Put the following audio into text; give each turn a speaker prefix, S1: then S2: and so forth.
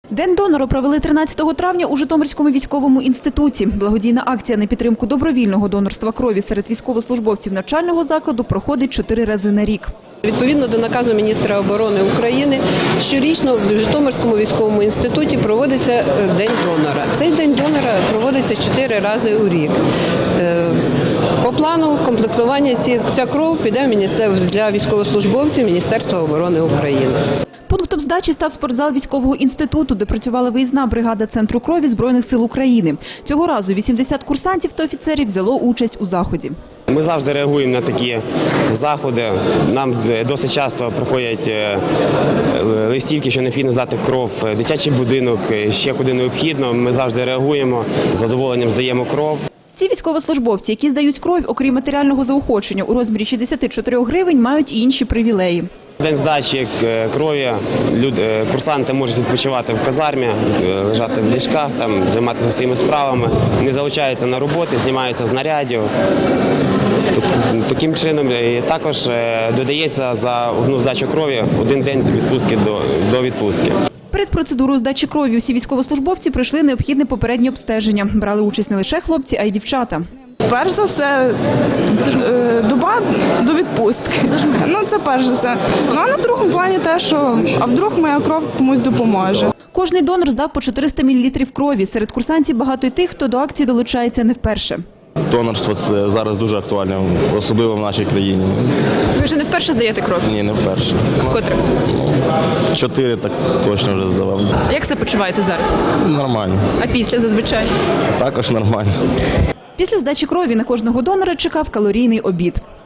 S1: День донора провели 13 травня у Житомирському військовому інституті. Благодійна акція на підтримку добровільного донорства крові серед військовослужбовців навчального закладу проходить 4 рази на рік.
S2: Відповідно до наказу міністра оборони України, щорічно в Житомирському військовому інституті проводиться День донора. Цей День донора проводиться 4 рази у рік. По плану комплектування ця кров піде для військовослужбовців Міністерства оборони України.
S1: Пунктом здачі став спортзал військового інституту, де працювала виїзна бригада Центру крові Збройних сил України. Цього разу 80 курсантів та офіцерів взяло участь у заході.
S3: Ми завжди реагуємо на такі заходи. Нам досить часто приходять листівки, що необхідно здати кров в дитячий будинок, ще куди необхідно. Ми завжди реагуємо, з задоволенням здаємо кров.
S1: Ці військовослужбовці, які здають кров, окрім матеріального заохочення у розмірі 64 гривень, мають і інші привілеї.
S3: День здачі крові курсанти можуть відпочивати в казармі, лежати в ліжках, займатися своїми справами, не залучаються на роботи, знімаються з нарядів. Таким чином також додається за одну здачу крові 1 день відпустки до відпустки.
S1: Перед процедурою здачі крові усі військовослужбовці пройшли необхідне попереднє обстеження. Брали участь не лише хлопці, а й дівчата.
S4: Перш за все, доба до відпустки. Це перш за все. А на другому плані те, що а вдруг моя кров комусь допоможе.
S1: Кожний донор здав по 400 мл крові. Серед курсантів багато й тих, хто до акції долучається не вперше.
S5: Донорство – це зараз дуже актуальне, особливо в нашій країні.
S1: Ви вже не вперше здаєте кров?
S5: Ні, не вперше.
S1: Котре?
S5: 4 так точно вже здавав.
S1: Як себе почуваєте зараз?
S5: Нормально.
S1: А після зазвичай?
S5: Також нормально.
S1: Після здачі крові на кожного донора чекав калорійний обід.